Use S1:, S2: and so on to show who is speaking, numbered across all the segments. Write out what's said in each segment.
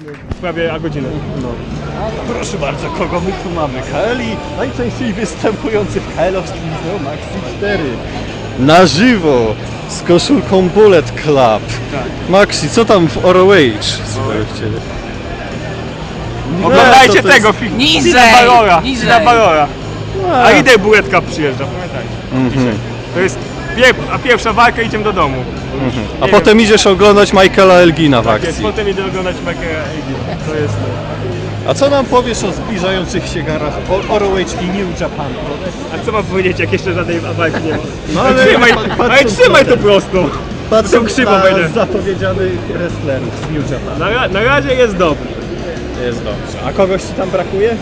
S1: prawie godzinę.
S2: No. A proszę bardzo, kogo my tu mamy? KLi, najczęściej występujący w KL-owskim Video Maxi 4. Na żywo, z koszulką Bullet Club.
S1: Tak.
S2: Maxi, co tam w ROH? Słuchajcie.
S1: Oglądajcie tego filmu.
S3: Niżej, niżej.
S1: Fina Balora. A idę Buletka przyjeżdża, pamiętajcie. Dzisiaj. To jest pierwsza walka, idziemy do domu.
S2: A potem idziesz oglądać Michaela Elgina w
S1: Tak jest,
S2: akcji.
S1: potem idę oglądać Michaela Elgina. To jest to.
S2: A co nam powiesz o zbliżających się garach ROH i New Japan Pro?
S1: A co mam powiedzieć, jak jeszcze żadnej walki nie ma?
S2: No
S1: ale trzymaj to prosto.
S2: Patrząc
S1: krzywo
S2: na
S1: będzie.
S2: zapowiedzianych wrestlerów z New Japan.
S1: Na razie jest dobry.
S2: Jest dobrze. A kogoś ci tam brakuje?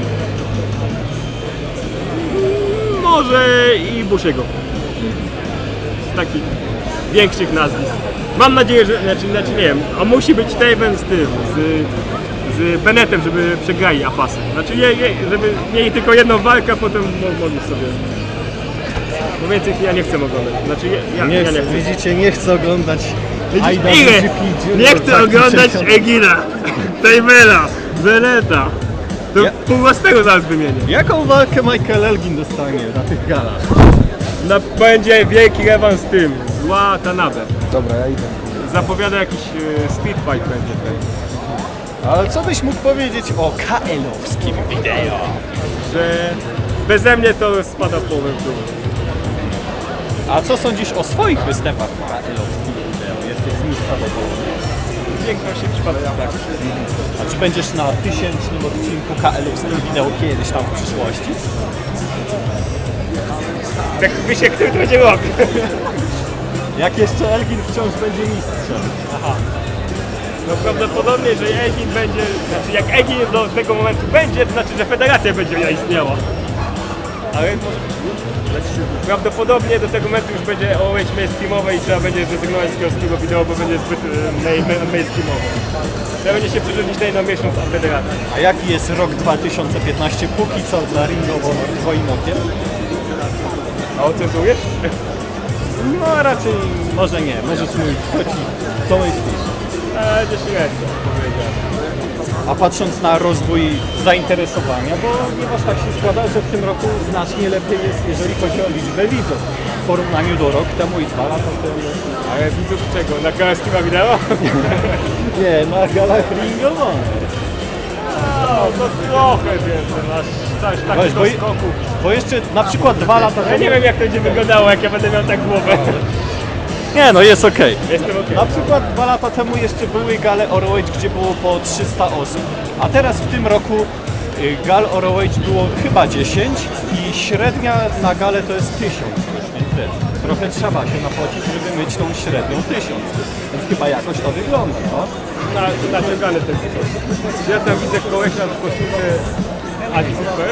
S1: Może i Bushiego. Z takich większych nazwisk. Mam nadzieję, że, znaczy nie wiem, a musi być Taven z tym, z Bennettem, żeby przegrali Apasy. Znaczy żeby mieli tylko jedną walkę, a potem mogli sobie. Bo więcej ja nie chcę oglądać. Znaczy ja nie chcę.
S2: Widzicie, nie chcę oglądać
S1: Ile? Nie chcę oglądać Egina, Tavena, Bennetta. To pół własnego zaraz wymienię.
S2: Jaką walkę Michael Elgin dostanie na tych galach?
S1: Będzie wielki rewans z tym, zła Tanabe.
S2: Dobra, ja idę.
S1: Zapowiada jakiś street fight będzie tutaj.
S2: Ale co byś mógł powiedzieć o KL-owskim wideo?
S1: Że beze mnie to spada w połowę w dół.
S2: A co sądzisz o swoich występach w KL-owskim wideo? Jesteś z nich zadowolony?
S1: W większości przypadków tak.
S2: A czy będziesz na 1000 odcinku KL-owskim wideo kiedyś tam w przyszłości?
S1: Jak się który to będzie robił.
S2: Jak jeszcze Elgin wciąż będzie mistrzem.
S1: Aha. No prawdopodobnie, że Egin będzie, znaczy jak Egin do tego momentu będzie, to znaczy, że federacja będzie istniała. Ale prawdopodobnie do tego momentu już będzie OH mainstreamowe i trzeba będzie zrezygnować z kiosskiego wideo, bo będzie zbyt mainstreamowe. Trzeba będzie się przerzucić na jedną miesiąc od federacji.
S2: A jaki jest rok 2015 póki co dla Ring of Honor twoim okiem?
S1: A ocenzujesz?
S2: No raczej może nie, możesz mówić, co myślisz?
S1: Będzie średnio, powiedziałem.
S2: A patrząc na rozwój zainteresowania, bo ponieważ tak się składa, że w tym roku znacznie lepiej jest, jeżeli chodzi o liczbę widzów w porównaniu do rok temu i 2 lata temu.
S1: Ale widzów czego? Na KSK wideo?
S2: Nie, na galach Ring of Honor.
S1: No, to trochę więcej, masz
S2: Weź,
S1: takich skoków.
S2: bo jeszcze na przykład 2 lata temu...
S1: Ja nie wiem jak to będzie wyglądało, jak ja będę miał tak głowę.
S2: Nie no, jest okej.
S1: Jestem okej.
S2: Na przykład 2 lata temu jeszcze były gale ROH, gdzie było po 300 osób, a teraz w tym roku gal ROH było chyba 10 i średnia na galę to jest 1000 już, więc wiesz, trochę trzeba się napocić, żeby mieć tą średnią 1000, więc chyba jakoś to wygląda, no?
S1: Naciągany ten sposób. Ja tam widzę kolesia w koszulce Adi Super.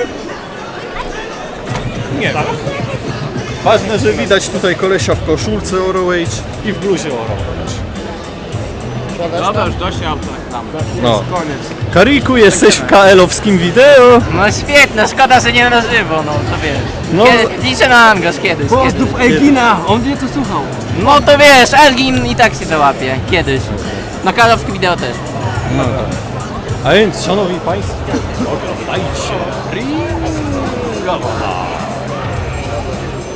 S2: Nie wiem. Ważne, że widać tutaj kolesia w koszulce ROH i w bluzie ROH.
S3: Dobra, już dość tam.
S2: No.
S1: Koniec.
S2: Kariku, jesteś w KL-owskim wideo?
S3: No świetne, szkoda, że nie na żywo, no to wiesz.
S2: No.
S3: Liczę na angaż kiedyś.
S4: Pozdrów Elgina, on wie co słuchał.
S3: No to wiesz, Elgin i tak się załapie, kiedyś. Na kalowskie wideo też.
S2: No tak. A więc, szanowni państwo, oglądajcie Ring of Honor.